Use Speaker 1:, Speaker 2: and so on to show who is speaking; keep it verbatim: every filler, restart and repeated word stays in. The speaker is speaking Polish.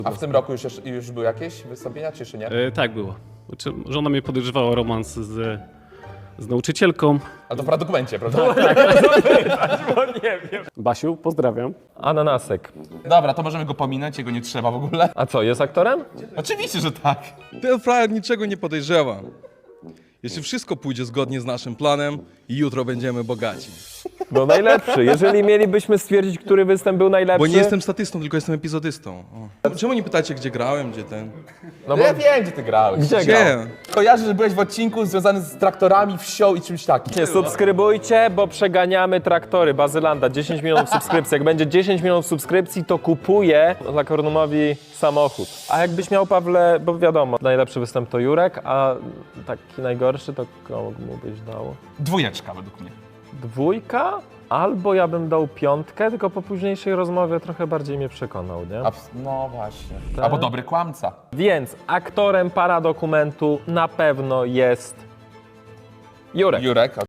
Speaker 1: A w tym roku już, już były jakieś wystąpienia, czy jeszcze nie?
Speaker 2: E, tak było. Znaczy, żona mnie podejrzewała o romans z, z nauczycielką.
Speaker 1: A to w dokumencie, prawda?
Speaker 3: Bo nie wiem.
Speaker 2: Basiu, pozdrawiam.
Speaker 3: Ananasek.
Speaker 1: Dobra, to możemy go pominąć, jego nie trzeba w ogóle.
Speaker 3: A co, jest aktorem?
Speaker 1: Oczywiście, że tak.
Speaker 4: Ten frajer niczego nie podejrzewa. Jeśli wszystko pójdzie zgodnie z naszym planem, jutro będziemy bogaci.
Speaker 3: No najlepszy. Jeżeli mielibyśmy stwierdzić, który występ był najlepszy...
Speaker 4: Bo nie jestem statystą, tylko jestem epizodystą. O. Czemu nie pytacie, gdzie grałem, gdzie ten?
Speaker 3: No bo...
Speaker 1: Ja wiem, gdzie ty grałeś.
Speaker 3: Gdzie grał?
Speaker 4: Gdzie?
Speaker 1: Kojarzę, że byłeś w odcinku związany z traktorami, wsią i czymś takim.
Speaker 3: Nie, subskrybujcie, bo przeganiamy traktory. Bazylanda, dziesięć milionów subskrypcji. Jak będzie dziesięć milionów subskrypcji, to kupuję dla Kornumowi samochód. A jakbyś miał, Pawle, bo wiadomo, najlepszy występ to Jurek, a taki najgorszy to komu byś dał?
Speaker 1: Dwójeczka według mnie.
Speaker 3: Dwójka? Albo ja bym dał piątkę, tylko po późniejszej rozmowie trochę bardziej mnie przekonał, nie?
Speaker 1: Abs- no właśnie.
Speaker 3: Tak.
Speaker 1: Albo dobry kłamca.
Speaker 3: Więc aktorem paradokumentu na pewno jest Jurek.
Speaker 1: Jurek,